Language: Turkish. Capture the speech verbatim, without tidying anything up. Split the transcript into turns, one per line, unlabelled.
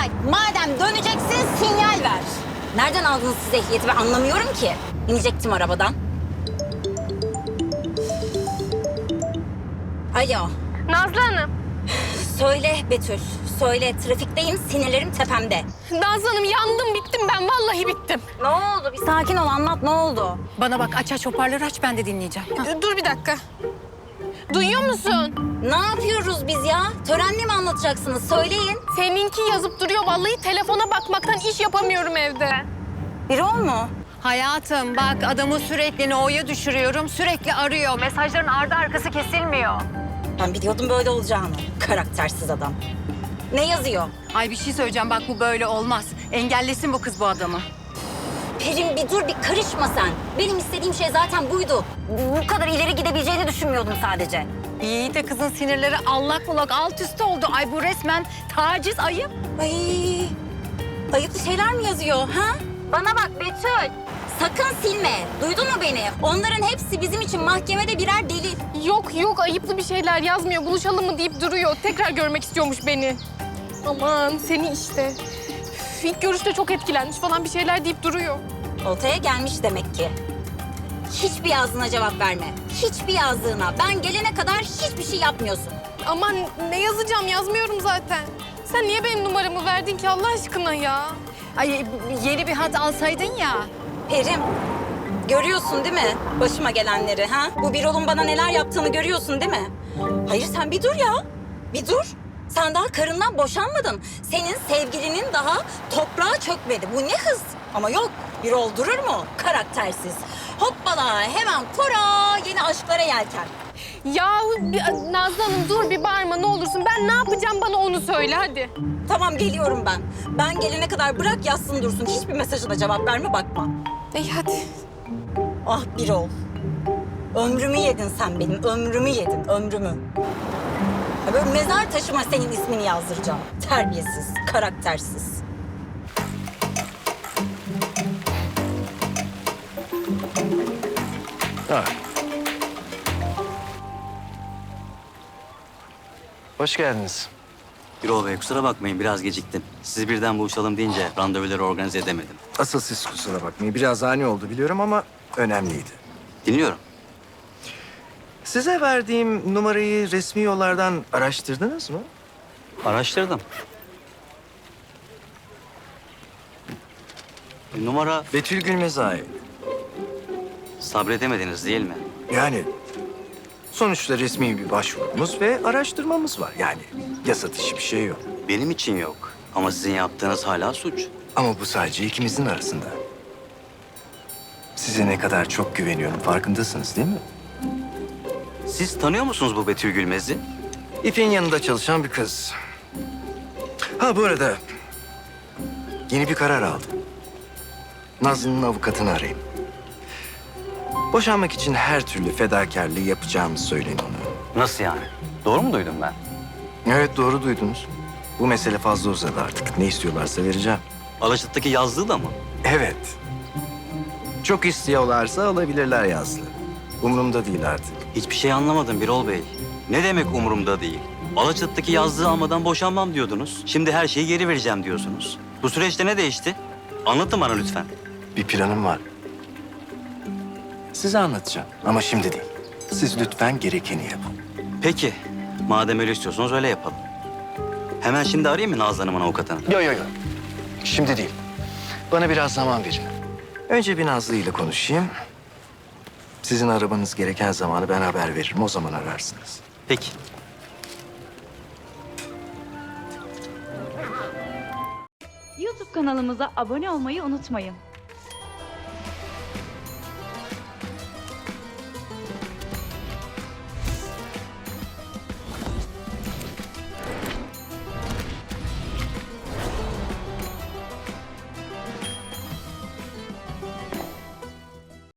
Sinyal. Madem döneceksin sinyal ver. Nereden aldınız siz ehliyeti ben anlamıyorum ki. İnecektim arabadan. Alo.
Nazlı Hanım.
Söyle Betül. Söyle trafikteyim sinirlerim tepemde.
Nazlı Hanım yandım bittim ben vallahi bittim.
Ne oldu? Bir sakin ol anlat ne oldu?
Bana bak aç aç hoparlörü aç ben de dinleyeceğim. Hah.
Dur, dur bir dakika. Duyuyor musun?
Ne yapıyoruz biz ya? Törenle mi anlatacaksınız? Söyleyin.
Seninki yazıp duruyor vallahi telefona bakmaktan iş yapamıyorum evde.
Bir ol mu?
Hayatım bak adamı sürekli No'ya düşürüyorum. Sürekli arıyor. Mesajların ardı arkası kesilmiyor.
Ben biliyordum böyle olacağını. Karaktersiz adam. Ne yazıyor?
Ay bir şey söyleyeceğim bak bu böyle olmaz. Engellesin bu kız bu adamı.
Pelin bir dur bir karışma sen. Benim istediğim şey zaten buydu. Bu kadar ileri gidebileceğini düşünmüyordum sadece.
İyi de kızın sinirleri allak bullak alt üst oldu. Ay bu resmen taciz ayıp.
Ay, ayıplı şeyler mi yazıyor ha? Bana bak Betül. Sakın silme. Duydun mu beni? Onların hepsi bizim için mahkemede birer delil.
Yok yok ayıplı bir şeyler yazmıyor. Buluşalım mı deyip duruyor. Tekrar görmek istiyormuş beni. Aman seni işte. Üf, İlk görüşte çok etkilenmiş falan bir şeyler deyip duruyor.
Oltaya gelmiş demek ki. Hiçbir yazdığına cevap verme. Hiçbir yazdığına. Ben gelene kadar hiçbir şey yapmıyorsun.
Aman ne yazacağım yazmıyorum zaten. Sen niye benim numaramı verdin ki Allah aşkına ya?
Ay yeni bir hat alsaydın ya.
Perim, görüyorsun değil mi başıma gelenleri ha? Bu Birol'un bana neler yaptığını görüyorsun değil mi? Hayır sen bir dur ya, bir dur. Sen daha karından boşanmadın. Senin sevgilinin daha toprağa çökmedi. Bu ne hız? Ama yok, Birol durur mu? Karaktersiz. Hoppala hemen kora yeni aşklara yelken.
Yahu bir- Nazlı Hanım dur bir bağırma ne olursun. Ben ne yapacağım bana onu söyle hadi.
Tamam geliyorum ben. Ben gelene kadar bırak yazsın dursun. Hiçbir mesajına cevap verme bakma.
İyi hadi.
Ah Birol. Ömrümü yedin sen benim, ömrümü yedin, ömrümü. Ya böyle mezar taşıma senin ismini yazdıracağım. Terbiyesiz, karaktersiz.
Ha. Hoş geldiniz.
Birol Bey kusura bakmayın biraz geciktim. Sizi birden buluşalım deyince randevuları organize edemedim.
Asıl siz kusura bakmayın. Biraz ani oldu biliyorum ama önemliydi.
Dinliyorum.
Size verdiğim numarayı resmi yollardan araştırdınız mı?
Araştırdım. Numara
Betül Gülmez'e ait.
sabredemediniz değil mi?
Yani sonuçta resmi bir başvurumuz ve araştırmamız var. Yani yasa dışı bir şey yok.
Benim için yok. Ama sizin yaptığınız hala suç.
Ama bu sadece ikimizin arasında. Size ne kadar çok güveniyorum farkındasınız değil mi?
Siz tanıyor musunuz bu Betül Gülmez'i?
İpek'in yanında çalışan bir kız. Ha bu arada yeni bir karar aldım. Nazlı'nın avukatını arayayım. Boşanmak için her türlü fedakarlığı yapacağımı söyleyin ona.
Nasıl yani? Doğru mu duydum ben?
Evet doğru duydunuz. Bu mesele fazla uzadı artık. Ne istiyorlarsa vereceğim.
Alaçatı'daki yazdığı da mı?
Evet. Çok istiyorlarsa alabilirler Yazlı. Umurumda değil artık.
Hiçbir şey anlamadım Birol Bey. Ne demek umurumda değil? Alaçatı'daki yazdığı almadan boşanmam diyordunuz. Şimdi her şeyi geri vereceğim diyorsunuz. Bu süreçte ne değişti? Anlatın bana lütfen.
Bir planım var. Size anlatacağım ama şimdi değil. Siz lütfen gerekeni yapın.
Peki. Madem öyle istiyorsanız öyle yapalım. Hemen şimdi arayayım mı Nazlı Hanım'ın avukatını?
Yok yok yok. Şimdi değil. Bana biraz zaman verin. Önce bir Nazlı ile konuşayım. Sizin arabanız gereken zamanı ben haber veririm. O zaman ararsınız.
Peki.
YouTube kanalımıza abone olmayı unutmayın.